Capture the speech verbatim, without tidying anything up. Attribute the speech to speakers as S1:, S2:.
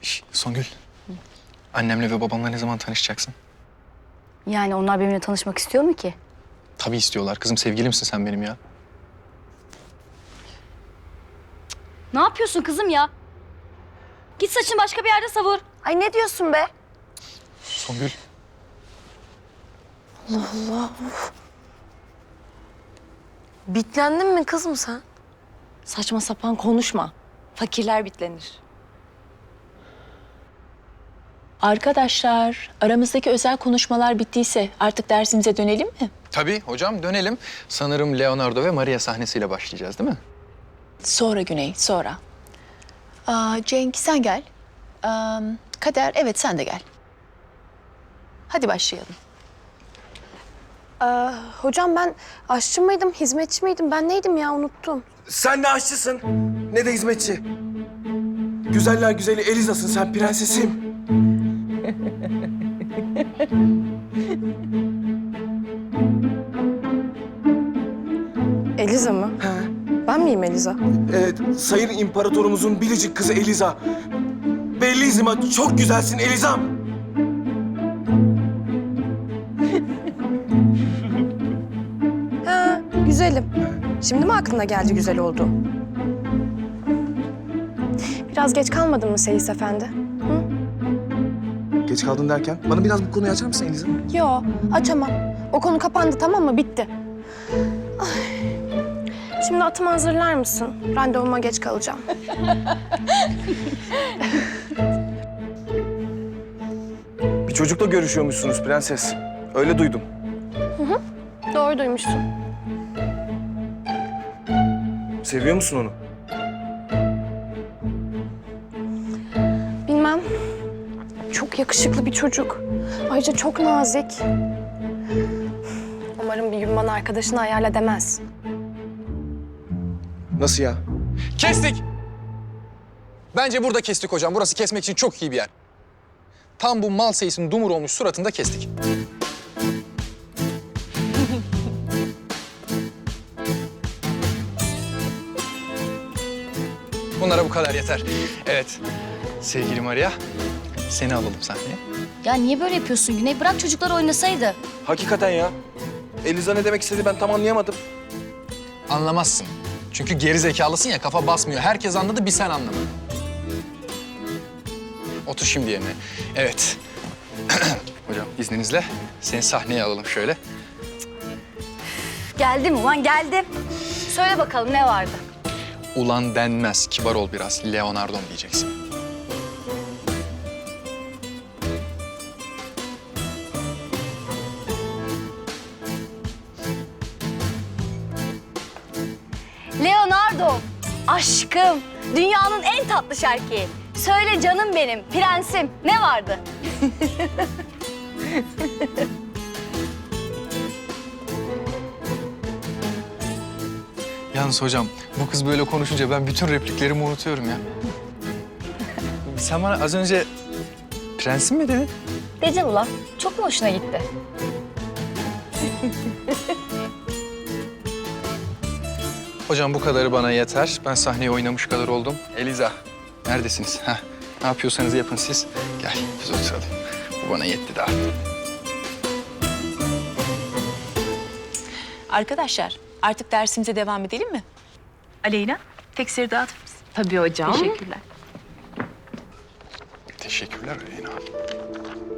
S1: Şş, Songül. Annemle ve babamla ne zaman tanışacaksın?
S2: Yani onlar benimle tanışmak istiyor mu ki?
S1: Tabii istiyorlar. Kızım sevgilimsin sen benim ya.
S2: Ne yapıyorsun kızım ya? Git saçını başka bir yerde savur.
S3: Ay ne diyorsun be?
S1: Songül.
S3: Bitlendin mi kızım sen?
S4: Saçma sapan konuşma. Fakirler bitlenir. Arkadaşlar, aramızdaki özel konuşmalar bittiyse artık dersimize dönelim mi?
S1: Tabii hocam dönelim. Sanırım Leonardo ve Maria sahnesiyle başlayacağız değil mi?
S4: Sonra Güney, sonra. Aa, Cenk sen gel. Aa, Kader, evet sen de gel. Hadi başlayalım.
S3: Ee, hocam ben aşçı mıydım, hizmetçi miydim? Ben neydim ya unuttum.
S5: Sen ne aşçısın, ne de hizmetçi. Güzeller güzeli Eliza'sın sen, prensesim.
S3: Eliza mı?
S5: Ha.
S3: Ben miyim Eliza?
S5: Evet, sayın imparatorumuzun biricik kızı Eliza. Bellissima, çok güzelsin Elizam.
S3: Ha, güzelim. Şimdi mi aklına geldi güzel oldu? Biraz geç kalmadın mı Seyis Efendi?
S5: Geç kaldın derken, bana biraz bu konuyu açar mısın Eliza?
S3: Yo, açamam. O konu kapandı tamam mı? Bitti. Ay. Şimdi atımı hazırlar mısın? Randevuma geç kalacağım.
S5: Bir çocukla görüşüyormuşsunuz prenses. Öyle duydum.
S3: Doğru duymuşsun.
S5: Seviyor musun onu?
S3: Bilmem. Çok yakışıklı bir çocuk. Ayrıca çok nazik. Umarım bir gün bana arkadaşını ayarla demez.
S5: Nasıl ya?
S1: Kestik. Bence burada kestik hocam. Burası kesmek için çok iyi bir yer. Tam bu mal seyisinin dumur olmuş suratında kestik. Bunlara bu kadar yeter. Evet. Sevgili Maria, seni alalım sahneye.
S2: Ya niye böyle yapıyorsun Güney? Bırak çocuklar oynasaydı.
S5: Hakikaten ya. Eliza ne demek istedi ben tam anlayamadım.
S1: Anlamazsın. Çünkü geri zekalısın ya, kafa basmıyor. Herkes anladı, bir sen anlamadın. Otur şimdi yerine. Evet. Hocam izninizle seni sahneye alalım şöyle.
S2: Geldim ulan geldim. Söyle bakalım ne vardı?
S1: Ulan denmez, kibar ol biraz. Leonardo'm diyeceksin.
S2: Leonardo, aşkım, dünyanın en tatlı şarkıyı. Söyle canım benim, prensim, ne vardı?
S1: Yalnız hocam, bu kız böyle konuşunca ben bütün repliklerimi unutuyorum ya. Sen bana az önce prensim mi dedin?
S2: Dedim ulan, çok mu hoşuna gitti?
S1: Hocam bu kadarı bana yeter. Ben sahneye oynamış kadar oldum. Eliza, neredesiniz? Heh, ne yapıyorsanız yapın siz. Gel, biz oturalım. Bu bana yetti daha.
S4: Arkadaşlar, artık dersimize devam edelim mi? Aleyna, tekstleri dağıtır mısın?
S6: Tabii hocam.
S4: Teşekkürler.
S1: Teşekkürler Aleyna.